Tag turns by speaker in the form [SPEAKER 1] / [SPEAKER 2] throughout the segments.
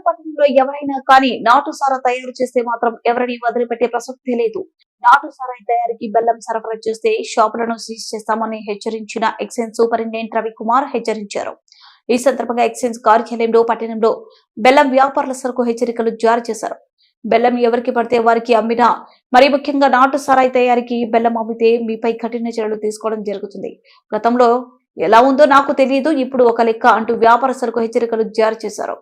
[SPEAKER 1] పట్టణంలో ఎవరైనా కానీ నాటు సారా తయారు చేస్తే మాత్రం ఎవరిని వదిలిపెట్టే ప్రసక్తే లేదు. నాటు సారాయి తయారీకి బెల్లం సరఫరా చేస్తే షాపులను సీజ్ చేస్తామని హెచ్చరించిన ఎక్సైజ్ సూపరింటెండెంట్ రవికుమార్ హెచ్చరించారు. ఈ సందర్భంగా ఎక్సైజ్ కార్యాలయంలో పట్టణంలో బెల్లం వ్యాపారుల సరకు హెచ్చరికలు జారీ చేశారు. బెల్లం ఎవరికి పడితే వారికి అమ్మినా, మరి ముఖ్యంగా నాటు సారాయి తయారీకి బెల్లం అమ్మితే మీపై కఠిన చర్యలు తీసుకోవడం జరుగుతుంది. గతంలో ఎలా ఉందో నాకు తెలియదు, ఇప్పుడు ఒక లెక్క అంటూ వ్యాపారస్తులకు హెచ్చరికలు జారీ చేశారు.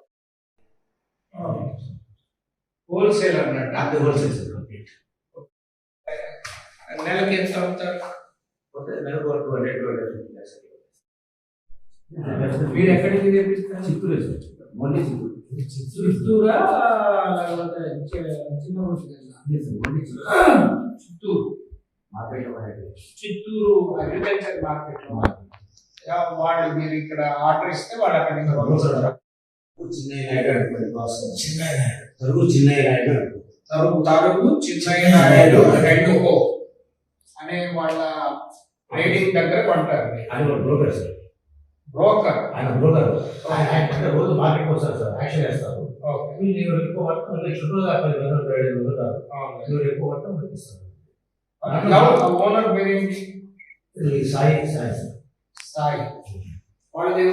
[SPEAKER 2] మీరు ఎక్కడికి తెప్పిస్తారు? చిత్తూరు చిత్తూరా చిత్తూరు అగ్రికల్చర్ మార్కెట్ లో వాళ్ళు మీరు ఇక్కడ ఆర్డర్ ఇస్తే వాళ్ళు అక్కడ తరుగు చిన్నయ్య నాయుడు రెండు అనే వాళ్ళ రేటింగ్ దగ్గర కొంటారు. బ్రోకర్ ఆయన రోజు మార్కెట్ వస్తారు సార్, యాక్షన్ చేస్తారు. మీరు ఎక్కువ పట్టడం మీరు ఎక్కువ పట్టడం పంపిస్తారు. ఓనర్ పేరేంటి? సాయి వాళ్ళదేవు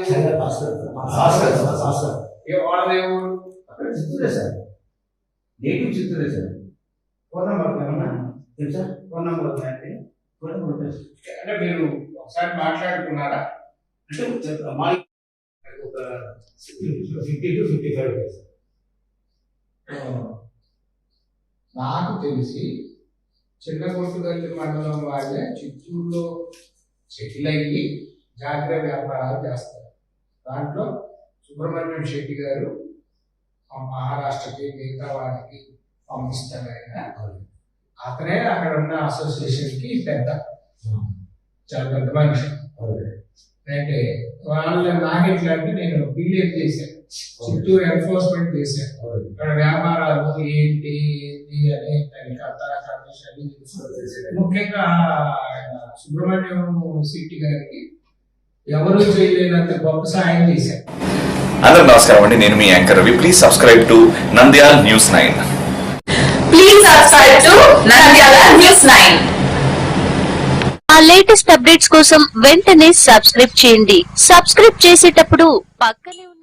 [SPEAKER 2] చిత్తూరే సార్, నేటివ్ చిత్తూరే సార్. ఫోన్ నెంబర్ తెలుసా? ఫోన్ నెంబర్ అంటే మీరు ఒకసారి మాట్లాడుకున్నారా? అంటే ఒక 50 to 55 డేస్. నాకు తెలిసి చిన్నగొట్టుగల్లి మండలం వాళ్ళే చిత్తూరులో సెటిల్ అయ్యి జాగ్రత్త వ్యాపారాలు చేస్తారు. దాంట్లో సుబ్రహ్మణ్యం శెట్టి గారు మహారాష్ట్రకి మిగతా వాటికి పంపిస్తారు. అతనే అక్కడ ఉన్న అసోసియేషన్కి పెద్ద, చాలా పెద్ద మనిషి. అంటే వాళ్ళు నాకెట్లా అంటే నేను బిల్లియన్ చేశాను, చిత్తూరు ఎన్ఫోర్స్మెంట్ చేశాను. ఇక్కడ వ్యాపారాలు ఏంటి అని ముఖ్యంగా సుబ్రహ్మణ్యం శెట్టి గారికి ఎవరు చేయలేనంత గొప్ప సాయం చేశారు.
[SPEAKER 3] అందరూ నమస్కారం అండి, నేను మీ anchor Ravi. Please subscribe to Nandyal news 9.
[SPEAKER 4] Please subscribe to Nandyal news 9. ఆ లేటెస్ట్ అప్డేట్స్ కోసం వెంటనే సబ్స్క్రైబ్ చేయండి. సబ్స్క్రైబ్ చేసేటప్పుడు పక్కనే